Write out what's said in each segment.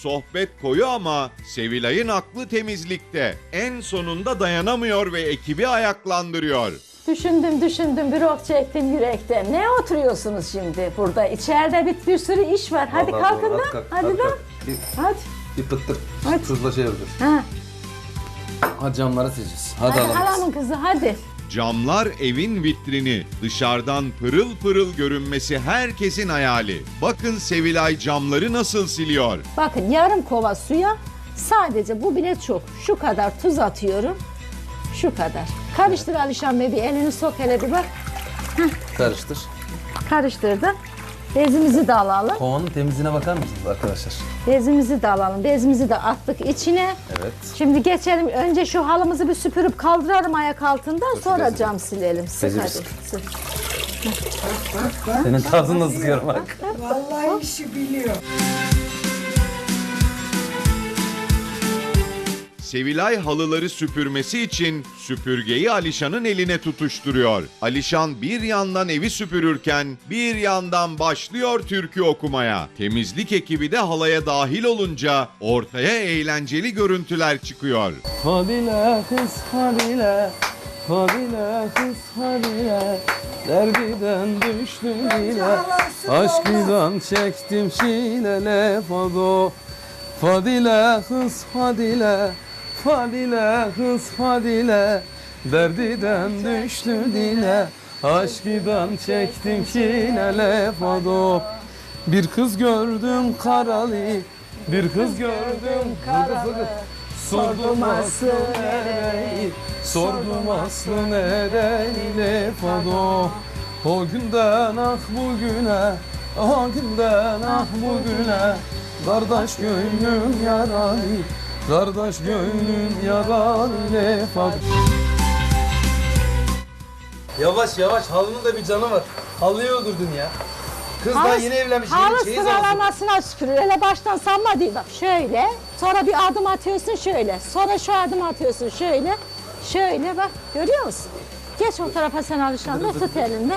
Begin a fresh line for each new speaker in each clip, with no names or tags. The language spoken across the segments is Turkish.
sohbet koyu ama Sevilay'ın aklı temizlikte. En sonunda dayanamıyor ve ekibi ayaklandırıyor.
Düşündüm bir ok çektim yürekten. Ne oturuyorsunuz şimdi burada? İçeride bir sürü iş var. Hadi
Vallahi
kalkın
doğru.
da. Hadi da. Hadi.
Bir pıttık
Hadi.
tuzla şey yapacağız.
Ha.
Hadi camları sileceğiz. Hadi
Hadi
alalım.
halamın kızı hadi.
Camlar evin vitrini. Dışarıdan pırıl pırıl görünmesi herkesin hayali. Bakın Sevilay camları nasıl siliyor.
Bakın yarım kova suya sadece bu bile çok. Şu kadar tuz atıyorum. Şu kadar. Karıştır Alişan Bey, bir elini sok hele bir bak.
Karıştır.
Karıştırdım. Bezimizi de alalım.
Kovanın temizliğine bakar mısınız arkadaşlar?
Bezimizi de alalım. Bezimizi de attık içine.
Evet.
Şimdi geçelim. Önce şu halımızı bir süpürüp kaldıralım ayak altından. Sonra
bezi.
cam silelim. Sık
Bezi
hadi.
sık.
Sık.
Senin tarzın da sıkıyorum bak.
Vallahi işi biliyor.
Sevilay halıları süpürmesi için süpürgeyi Alişan'ın eline tutuşturuyor. Alişan bir yandan evi süpürürken bir yandan başlıyor türkü okumaya. Temizlik ekibi de halaya dahil olunca ortaya eğlenceli görüntüler çıkıyor.
Fadile kız Fadile, Fadile kız Fadile, derbiden düştüm dile, aşkından çektim çilele Fado. Fadile kız Fadile, Fadile kız Fadile, derdiden düştüm dile, aşkından çektim çilele Fado. Bir kız gördüm karalı, bir kız gördüm karalı. Sordum aslı nereyi, sordum aslı nereli Fado. O günden ah bugüne, o günden ah bugüne, kardeş gönlüm yaralı, kardeş gönlüm yaralı Fado. Yavaş yavaş, halının da bir canı var. Halıyı öldürdün ya. Kız daha yeni evlenmiş,
Halı
yeni çeyiz aldı.
sıralamasına süpürür. Hele baştan sanma değil. Bak şöyle. Sonra bir adım atıyorsun şöyle. Sonra şu adım atıyorsun şöyle. Şöyle bak. Görüyor musun? Geç o tarafa sen Alişan'la tut elinde.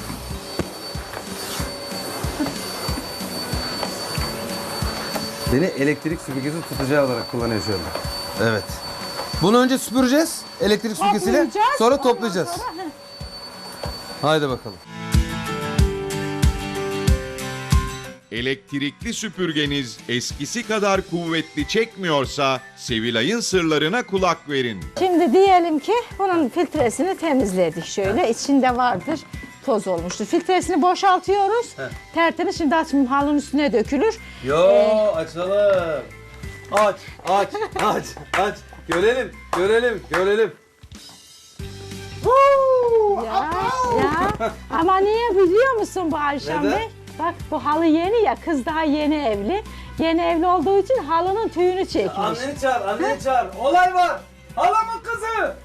Beni elektrik süpürgesi tutacağı olarak kullanıyor şu anda. Evet. Bunu önce süpüreceğiz elektrik süpürgesiyle,
Toplayacağız,
sonra
ondan
toplayacağız.
sonra,
Haydi bakalım.
Elektrikli süpürgeniz eskisi kadar kuvvetli çekmiyorsa Sevilay'ın sırlarına kulak verin.
Şimdi diyelim ki bunun filtresini temizledik şöyle. İçinde vardır. Toz olmuştur. Filtresini boşaltıyoruz. Tertemiz. Şimdi açmayayım, halının üstüne dökülür.
Yo açalım. Aç, aç, aç, aç. Görelim, görelim, görelim.
Ya. Ama niye biliyor musun bu Ayşem
Neden?
Bey? Bak bu halı yeni ya, kız daha yeni evli. Yeni evli olduğu için halının tüyünü çekmiş.
Anneni çağır, anneni çağır. Olay var. Halamın kızı.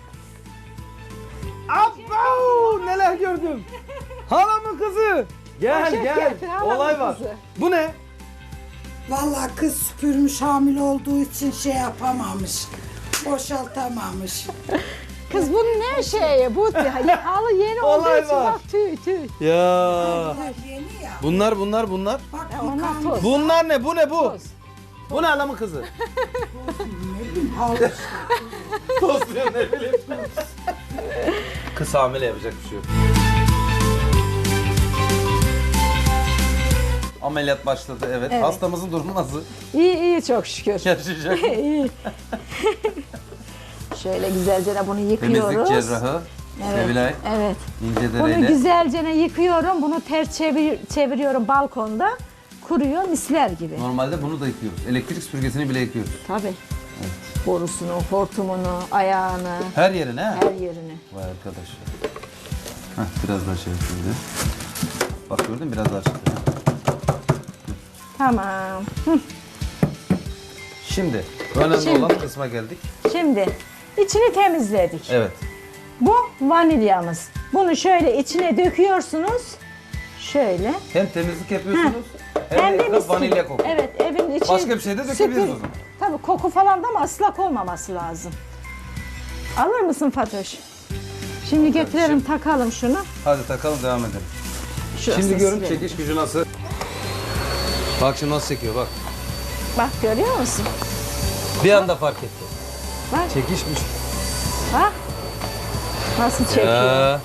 Abba, neler gördüm. Halamın kızı. Gel,
Poşet
gel.
getir, halamın
Olay var.
kızı.
Bu ne?
Vallahi kız süpürmüş, hamile olduğu için şey yapamamış. Boşaltamamış.
Kız bunun ne şeyi? Bu halı yeni olduğu
Olay
için
var.
bak tüy.
Ya.
Bunlar yeni ya.
Bunlar.
Bak
Onlar
yıkanmış.
toz.
Bunlar ne? Bu ne bu?
Toz.
Bu ne halamın kızı?
Ne bileyim halı.
Tost diyor, ne bileyim. Kız hamile, yapacak bir şey yok. Ameliyat başladı, evet.
Evet.
Hastamızın durumu nasıl?
İyi çok şükür.
Yaşayacak.
İyi. Şöyle güzelce de bunu yıkıyoruz.
Temizlik cerrahı Sevilay
Evet. Bunu
İncedere'yle.
güzelce yıkıyorum. Bunu ters çeviriyorum balkonda. Kuruyor misler gibi.
Normalde bunu da yıkıyoruz. Elektrik süpürgesini bile yıkıyoruz.
Tabii. Borusunu, hortumunu, ayağını,
Her yerine ha?
her yerini.
Vay arkadaş. Heh, biraz daha şey yapayım. Bak gördün mü? Biraz daha çıktı.
Tamam.
Şimdi önemli
Şimdi.
olan kısma geldik.
Şimdi içini temizledik.
Evet.
Bu vanilyamız. Bunu şöyle içine döküyorsunuz. Şöyle.
Hem temizlik yapıyorsunuz hem
Hem
de
de
etraf
mis
vanilya
gibi.
kokuyor.
Evet, evin içi.
Başka bir şey de dökebiliriz o zaman.
Tabii koku falan da ama ıslak olmaması lazım. Alır mısın Fatoş? Şimdi getirelim takalım şunu.
Hadi takalım, devam edelim.
Şurasını
Şimdi görün
silelim.
çekiş gücü nasıl. Bak şimdi nasıl çekiyor bak.
Bak görüyor musun?
Bir anda fark etti.
Bak
Çekişmiş.
bak. Nasıl çekiyor?
Ya.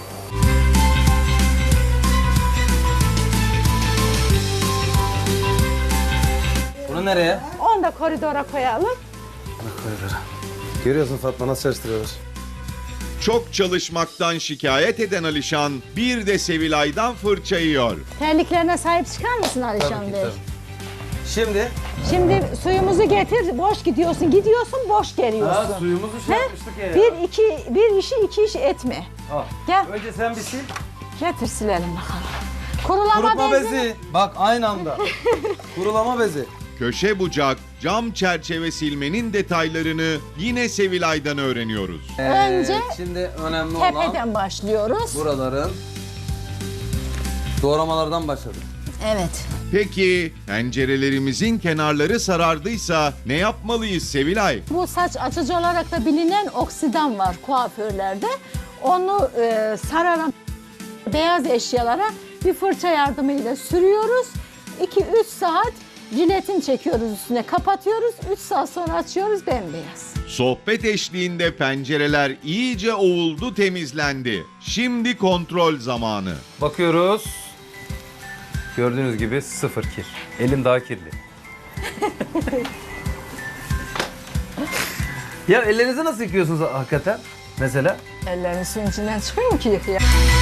Bunu nereye?
Onu da koridora koyalım.
Görüyorsun Fatma nasıl çalıştırıyorlar.
Çok çalışmaktan şikayet eden Alişan bir de Sevilay'dan fırça yiyor.
Terliklerine sahip çıkar mısın Alişan Bey?
Şimdi
Şimdi suyumuzu getir, boş gidiyorsun. Gidiyorsun, boş geliyorsun.
suyumuzu
He?
yapmıştık ya.
Bir işi iki iş etme.
Al.
Gel,
Önce sen bir sil.
getir silelim bakalım. Kurulama
Kurutma
bezi.
bezi. Bak aynı anda. Kurulama bezi.
Köşe bucak, cam çerçeve silmenin detaylarını yine Sevilay'dan öğreniyoruz.
Önce
şimdi önemli olan
Tepeden başlıyoruz.
buraların doğramalardan başladık.
Evet.
Peki pencerelerimizin kenarları sarardıysa ne yapmalıyız Sevilay?
Bu saç açıcı olarak da bilinen oksidan var kuaförlerde. Onu sararan beyaz eşyalara bir fırça yardımıyla sürüyoruz. 2-3 saat jiletin çekiyoruz üstüne, kapatıyoruz. 3 saat sonra açıyoruz, bembeyaz.
Sohbet eşliğinde pencereler iyice ovuldu, temizlendi. Şimdi kontrol zamanı.
Bakıyoruz. Gördüğünüz gibi sıfır kir. Elim daha kirli. Ya ellerinizi nasıl yıkıyorsunuz hakikaten? Mesela?
Ellerin suyun içinden çıkıyor mu ki yıkaya?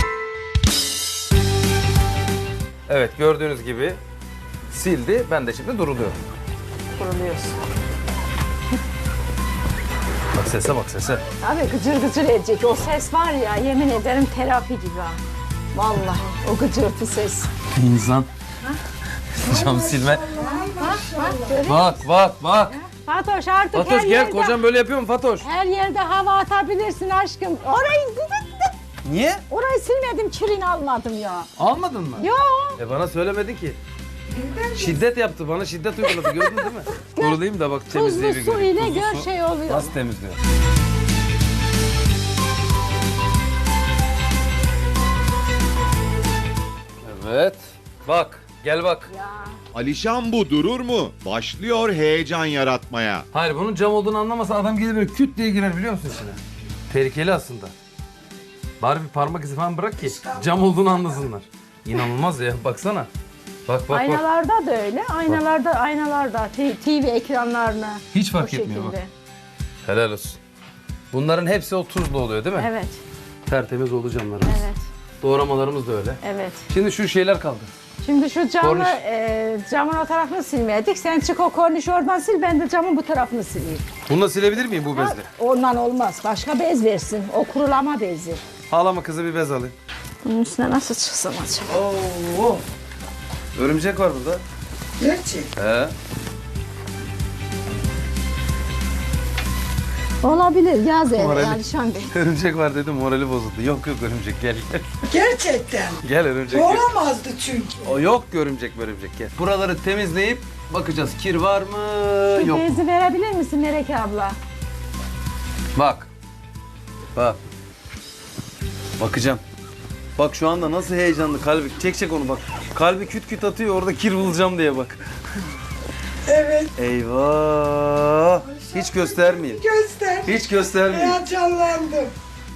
Evet gördüğünüz gibi sildi. Ben de şimdi duruluyorum.
Kuruluyorsun.
Bak sese bak sese.
Abi gıcır gıcır edecek. O ses var ya, yemin ederim terapi gibi ha. Vallahi o gıcırtı ses.
İnsan. Cam silme. Bak.
Fatoş artık
Fatoş
her
gel
yerde,
kocam böyle yapıyor mu Fatoş?
her yerde hava atabilirsin aşkım.
Niye?
Orayı silmedim, kirini almadım ya.
Almadın mı?
Yo.
Bana söylemedin ki. Şiddet yaptı bana şiddet uyguladı gördün değil mi? Kurulayım da bak
Tuzlu
temizliği bir
su
göreyim.
ile
Tuzlu
gör
su
şey oluyor.
nasıl temizliyor? Evet. Bak gel bak.
Alişan bu durur mu? Başlıyor heyecan yaratmaya.
Hayır bunun cam olduğunu anlamasa adam gelir böyle küt diye girer biliyor musun içine? Tehlikeli aslında. Bari bir parmak izi falan bırak ki cam olduğunu anlasınlar. İnanılmaz ya baksana. Bak.
Aynalarda da öyle. Aynalarda TV ekranlarına.
Hiç fark
bu
etmiyor
şekilde.
bak. Helal olsun. Bunların hepsi o tuzlu oluyor değil mi?
Evet,
Tertemiz oldu camlarımız.
evet,
Doğramalarımız da öyle.
evet.
Şimdi şu şeyler kaldı.
Şimdi şu camı,
Korniş.
camın o tarafını silmedik. Sen çık o kornişi oradan sil, ben de camın bu tarafını sileyim.
Bunu silebilir miyim bu
Ha,
bezle?
ondan olmaz. Başka bez versin. O kurulama bezi.
Ağlama kızı bir bez alayım.
Bunun üstüne nasıl çıksın acaba?
Oo. Örümcek var burada.
Gerçek.
He.
Olabilir. Yaz evi
Morali.
Alişan Bey.
Örümcek var dedim morali bozuldu. Yok örümcek gel.
Gerçekten.
Gel örümcek gel.
Olamazdı çünkü.
O yok örümcek gel. Buraları temizleyip bakacağız kir var mı
Şu
yok mu?
bezi verebilir misin Melek abla?
Bak. Bakacağım. Bak şu anda nasıl heyecanlı kalbi. Çek onu bak. Kalbi küt küt atıyor orada kir bulacağım diye bak.
Evet.
Eyvah. Hiç göstermeyeyim.
Göster.
Hiç göstermeyeyim.
Heyecanlandım.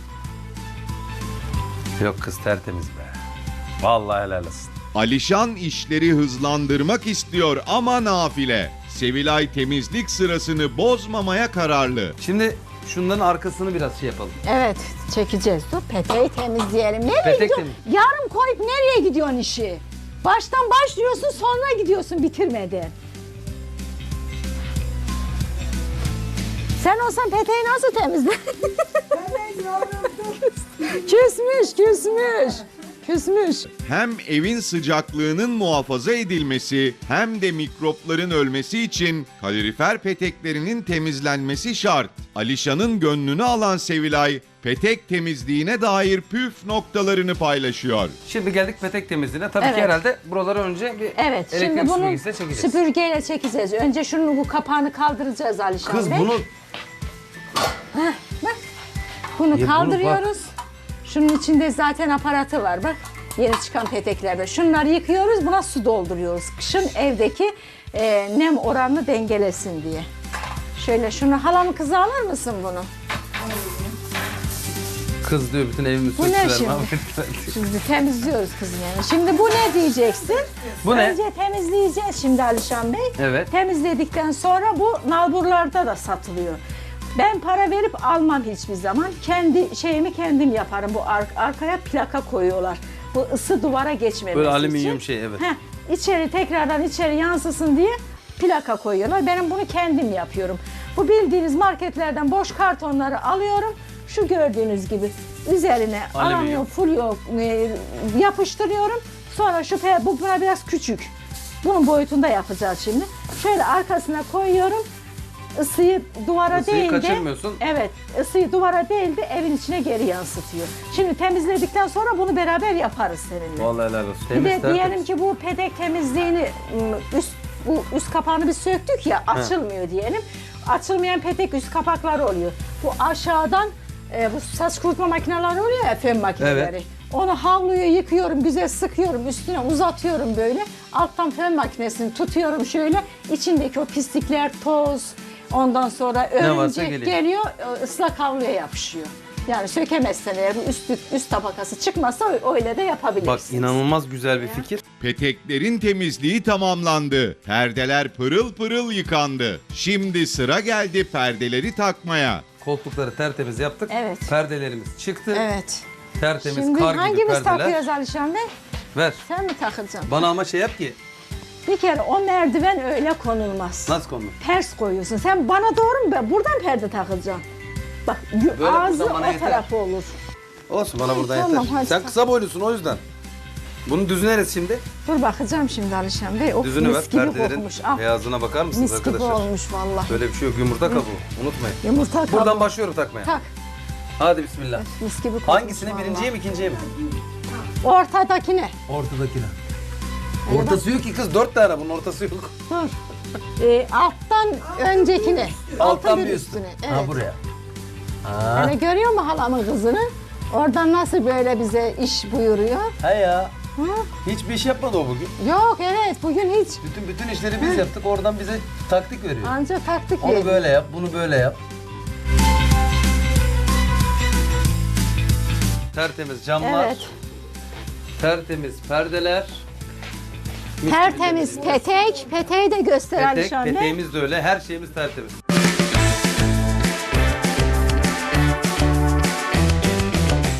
Yok kız tertemiz be. Vallahi helal olsun.
Alişan işleri hızlandırmak istiyor ama nafile. Sevilay temizlik sırasını bozmamaya kararlı.
Şimdi şunların arkasını biraz şey yapalım.
Evet, çekeceğiz. Dur, peteği temizleyelim. Nereye
Petek
gidiyorsun?
temiz.
Yarım koyup nereye gidiyorsun işi? Baştan başlıyorsun, sonra gidiyorsun bitirmeden. Sen olsan peteği nasıl temizle?
Ben yoruldum.
Küsmüş.
Hem evin sıcaklığının muhafaza edilmesi hem de mikropların ölmesi için kalorifer peteklerinin temizlenmesi şart. Alişan'ın gönlünü alan Sevilay, petek temizliğine dair püf noktalarını paylaşıyor.
Şimdi geldik petek temizliğine. Tabii
Evet.
ki herhalde buraları önce bir
Evet,
elektrik
şimdi bunu
süpürgesiyle çekeceğiz.
süpürgeyle çekeceğiz. Önce şunun bu kapağını kaldıracağız Alişan
Kız
Bey.
bunu
Bunu
Ya bunu
kaldırıyoruz. Şunun içinde zaten aparatı var bak. Yeni çıkan peteklerde. Şunları yıkıyoruz, buna su dolduruyoruz. Kışın evdeki nem oranını dengelesin diye. Şöyle şunu halamın kızı alır mısın bunu?
Kız diyor bütün evimi
Bu ne
söktüler.
şimdi? Şimdi temizliyoruz kızım yani. Şimdi bu ne diyeceksin?
Bu ne?
Önce temizleyeceğiz şimdi Alişan Bey.
Evet.
Temizledikten sonra bu nalburlarda da satılıyor. Ben para verip almam hiçbir zaman. Kendi şeyimi kendim yaparım. Bu arkaya plaka koyuyorlar. Bu ısı duvara geçmemesi
Böyle
için.
alüminyum şey, evet.
İçeri tekrardan içeri yansısın diye plaka koyuyorlar. Benim bunu kendim yapıyorum. Bu bildiğiniz marketlerden boş kartonları alıyorum. Şu gördüğünüz gibi üzerine
Alüminyum.
alüminyum folyo yapıştırıyorum. Sonra bu buna biraz küçük. Bunun boyutunda yapacağız şimdi. Şöyle arkasına koyuyorum. Isıyı duvara
Isıyı
değil de
kaçırmıyorsun.
evet, ısıyı duvara değil de evin içine geri yansıtıyor. Şimdi temizledikten sonra bunu beraber yaparız seninle.
Vallahi helal olsun.
Bir
Temiz,
de
tertemiz.
diyelim ki bu pedek temizliğini bu üst kapağını biz söktük ya, açılmıyor diyelim. Açılmayan pedek üst kapakları oluyor. Bu aşağıdan bu saç kurutma makineleri oluyor ya, fön makineleri.
Evet.
Onu havluyu yıkıyorum, güzel sıkıyorum, üstüne uzatıyorum böyle. Alttan fön makinesini tutuyorum şöyle. İçindeki o pislikler, toz, ondan sonra
varsa
örümcek
geliyor.
geliyor, ıslak havluya yapışıyor. Yani sökemezsen eğer bu üst tabakası çıkmazsa öyle de yapabilirsiniz.
Bak inanılmaz güzel bir fikir.
Peteklerin temizliği tamamlandı. Perdeler pırıl pırıl yıkandı. Şimdi sıra geldi perdeleri takmaya.
Koltukları tertemiz yaptık.
Evet.
Perdelerimiz çıktı.
Evet.
Tertemiz
Şimdi
kar gibi
hangimiz
perdeler.
takıyoruz Alişan Bey?
Ver.
Sen mi takacaksın?
Bana ama şey yap ki.
Bir kere o merdiven öyle konulmaz.
Nasıl konulur?
Ters koyuyorsun. Sen bana doğru mu? Ben buradan perde takacaksın. Bak
Böyle
ağzı
buradan bana
o
yeter.
tarafı olur.
Olsun bana buradan
Tamam,
yeter.
hadi
Sen
tak.
kısa boylusun o yüzden. Bunu düzüneriz şimdi.
Dur bakacağım şimdi Alişan Bey. Of,
Düzünü ver.
mis gibi
Perdelerin
kokmuş. Al.
beyazına bakar mısınız
Mis gibi
arkadaşlar?
olmuş vallahi.
Böyle bir şey yok. Yumurta kabuğu. Unutmayın.
Yumurta kabuğu.
Buradan başlıyorum takmaya.
Tak.
Hadi bismillah.
Mis gibi kokmuş
Hangisini?
vallahi.
Birinciye mi ikinciye mi?
Ortadakine.
Ortadakine. Ortası yok ki kız. 4 tane bunun ortası yok.
Dur. Alttan öncekine.
Alttan
bir
bir üstüne.
Evet.
Ha buraya. Ha.
Hani görüyor musun halamın kızını? Oradan nasıl böyle bize iş buyuruyor?
Ha ya.
Hı?
Hiçbir iş yapmadı o bugün.
Yok evet bugün hiç.
Bütün işleri biz yaptık. Oradan bize taktik veriyor.
Anca taktik
Onu
veriyor.
böyle yap, bunu böyle yap. Tertemiz camlar,
Evet.
tertemiz perdeler. Mis gibi
Tertemiz
temizliğimiz.
petek. Peteği de göster
Petek,
Alişan Bey.
peteğimiz de öyle, her şeyimiz tertemiz.